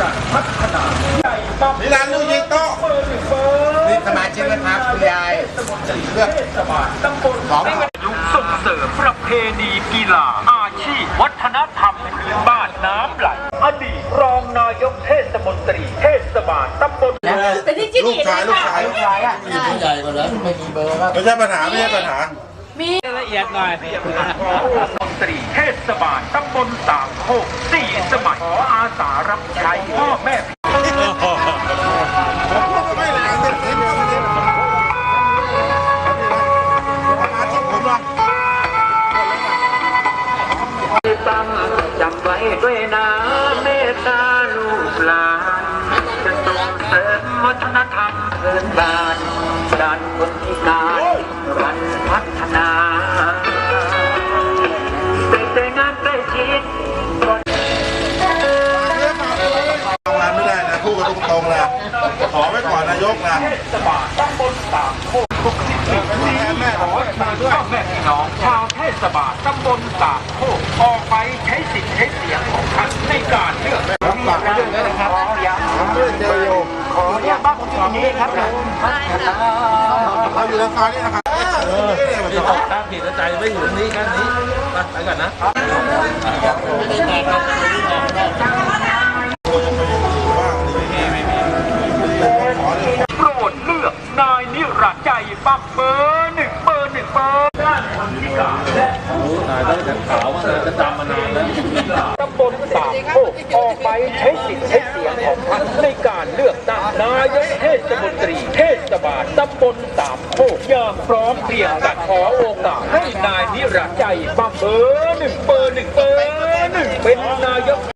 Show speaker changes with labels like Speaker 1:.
Speaker 1: พัฒนา
Speaker 2: นิรันดร์ลูกยิงโต๊ะนี่สมาชิกนะครับคุณยายเลือกของ
Speaker 1: ส่งเสริมประเพณีกีฬาอาชีพวัฒนธรรมพื้นบ้านน้ำไหลอดีตรองนายกเทศมนตรีเทศบาลตำบล
Speaker 2: ลูกชายอ่ะผู้ใหญ่กว่าแล้วไม่มีเบอร์ครับไม่ใช่ปัญหา
Speaker 1: มีละเอียดหน่อยมนตรีเทศบาลตำบลสามโคก4 สมัยขออาสารับใช้พ่อแม่ตั้งจำไว้ด้วยนะเมตตาลูกหลานจะส่งเสริมวัฒนธรรมพื้นบ้านด้านคนพิการรันพัฒนาเป็นใจงานใกล้ชิด
Speaker 2: ทำงานไม่ได้นะพูดกันตรงๆนะขอไว้ก่อนนายกนะ
Speaker 1: เทศบาลตำบลสามโคกแม่ขอมาด้วยแม่พี่น้องชาวเทศบาลตำบลสามโคกออกไปใช้สิทธิ์ใช้เสียงของท่านในการเลือก
Speaker 2: รับปากกันด้วยนะครับเจอโย
Speaker 1: ขออนุญาตบ้านผมอยู่ตรงนี้ครับ
Speaker 2: เราอยู่ในซอยนี้นะครับ
Speaker 3: ถ้าผิดใจไม่อยู่นี่กันนี้ไปก่อนนะ
Speaker 1: โปรดเลือกนายนิรันดร์ใจบักเบอร์1 เบอร์ ด้านคนพิการและ
Speaker 3: นายต้องขาวว่านายจะจำมานานแล้ว
Speaker 1: ตำบลสามโคกออกไปใช้สิทธิ์ใช้เสียงของท่านในการเลือกตั้งนายกเทศมนตรีเทศบาลตำบลสามโคกอย่างพร้อมเพรียงกันขอโอกาสให้นายนิรันดร์ใจบักเบอร์1 เบอร์ เป็นนายก